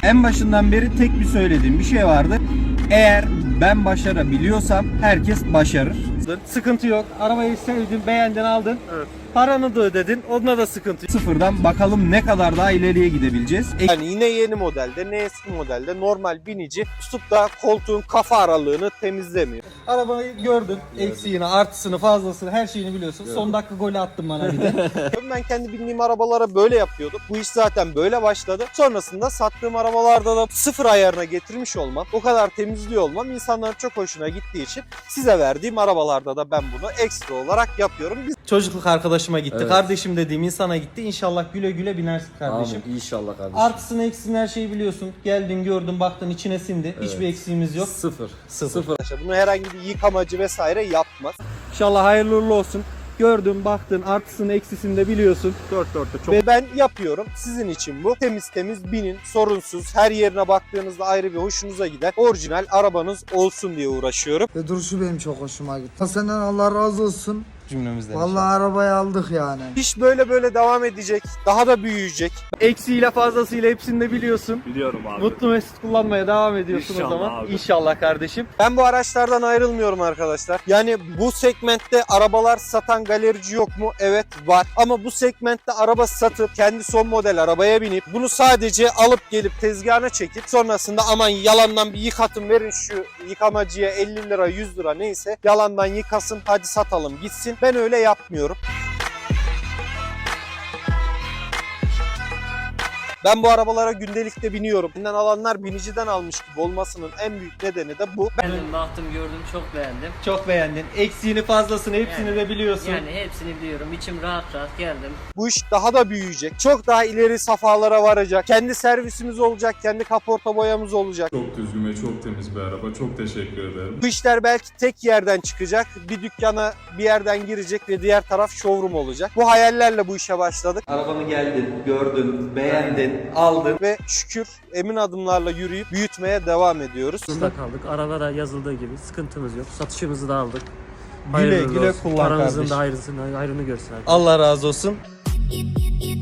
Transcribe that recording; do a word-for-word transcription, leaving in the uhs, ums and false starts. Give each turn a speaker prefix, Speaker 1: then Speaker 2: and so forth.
Speaker 1: En başından beri tek bir söylediğim bir şey vardı. Eğer ben başarabiliyorsam herkes başarır. Sıkıntı yok. Arabayı sevdin, beğendin, aldın. Evet. Paranı da ödedin. Onunla da sıkıntı yok. Sıfırdan bakalım ne kadar daha ileriye gidebileceğiz.
Speaker 2: Yani yine yeni modelde, ne eski modelde normal binici tutup da koltuğun kafa aralığını temizlemiyor.
Speaker 1: Arabayı gördün. Eksiğini, artısını, fazlasını, her şeyini biliyorsun. Evet. Son dakika golü attın bana bir de.
Speaker 2: Ben kendi bindiğim arabalara böyle yapıyordum. Bu iş zaten böyle başladı. Sonrasında sattığım arabalarda da sıfır ayarına getirmiş olmam, o kadar temizliyor olmam insanların çok hoşuna gittiği için size verdiğim arabalarda da ben bunu ekstra olarak yapıyorum. Biz...
Speaker 1: Çocukluk arkadaşıma gitti.
Speaker 3: Evet.
Speaker 1: Kardeşim dediğim insana gitti. İnşallah güle güle binersin kardeşim.
Speaker 3: Amin. İnşallah kardeşim.
Speaker 1: Artısını eksisini her şeyi biliyorsun. Geldin gördün baktın içine sindi.
Speaker 3: Evet.
Speaker 1: Hiçbir eksiğimiz yok.
Speaker 3: Sıfır.
Speaker 1: Sıfır.
Speaker 3: Sıfır.
Speaker 2: Bunu herhangi bir yıkamacı vesaire yapmaz.
Speaker 1: İnşallah hayırlı uğurlu olsun. Gördün baktın artısını eksisini de biliyorsun.
Speaker 2: Dört dörtte çok. Ve ben yapıyorum. Sizin için bu. Temiz temiz binin. Sorunsuz. Her yerine baktığınızda ayrı bir hoşunuza gider. Orijinal arabanız olsun diye uğraşıyorum.
Speaker 4: Ve duruşu benim çok hoşuma gitti. Senden Allah razı olsun.
Speaker 1: Cümlemizden.
Speaker 4: Vallahi arabayı aldık yani.
Speaker 2: İş böyle böyle devam edecek. Daha da büyüyecek.
Speaker 1: Eksiğiyle fazlasıyla hepsini de biliyorsun.
Speaker 5: Biliyorum abi.
Speaker 1: Mutlu mesut kullanmaya devam ediyorsun
Speaker 5: İnşallah
Speaker 1: o zaman.
Speaker 5: abi.
Speaker 1: İnşallah kardeşim.
Speaker 2: Ben bu araçlardan ayrılmıyorum arkadaşlar. Yani bu segmentte arabalar satan galerici yok mu? Evet var. Ama bu segmentte araba satıp kendi son model arabaya binip bunu sadece alıp gelip tezgahına çekip sonrasında aman yalandan bir yıkatın verin şu yıkamacıya elli lira yüz lira neyse yalandan yıkasın hadi satalım gitsin. Ben öyle yapmıyorum. Ben bu arabalara gündelikte biniyorum. Benden alanlar biniciden almış gibi olmasının en büyük nedeni de bu. Ben
Speaker 6: Beğendim, baktım, gördüm, çok beğendim.
Speaker 1: Çok beğendin. Eksiğini fazlasını hepsini
Speaker 6: Yani-
Speaker 1: de biliyorsun.
Speaker 6: Yani hepsini biliyorum. İçim rahat rahat geldim.
Speaker 2: bu iş daha da büyüyecek. Çok daha ileri safhalara varacak. Kendi servisimiz olacak, kendi kaporta boyamız olacak.
Speaker 5: Çok düzgün ve çok temiz bir araba. Çok teşekkür ederim.
Speaker 2: Bu işler belki tek yerden çıkacak. Bir dükkana bir yerden girecek ve diğer taraf showroom olacak. Bu hayallerle bu işe başladık.
Speaker 1: Arabanı geldin, gördün, beğendin, aldın.
Speaker 2: Ve şükür emin adımlarla yürüyüp büyütmeye devam ediyoruz.
Speaker 7: Burada kaldık. Arabada yazıldığı gibi sıkıntımız yok. Satışımızı da aldık.
Speaker 1: Güle
Speaker 7: Hayırlı
Speaker 1: güle
Speaker 7: olsun.
Speaker 1: kullan
Speaker 7: Paranızın
Speaker 1: kardeşim.
Speaker 7: da hayrını, hayrını görsün.
Speaker 1: Allah razı olsun.
Speaker 8: You, you, you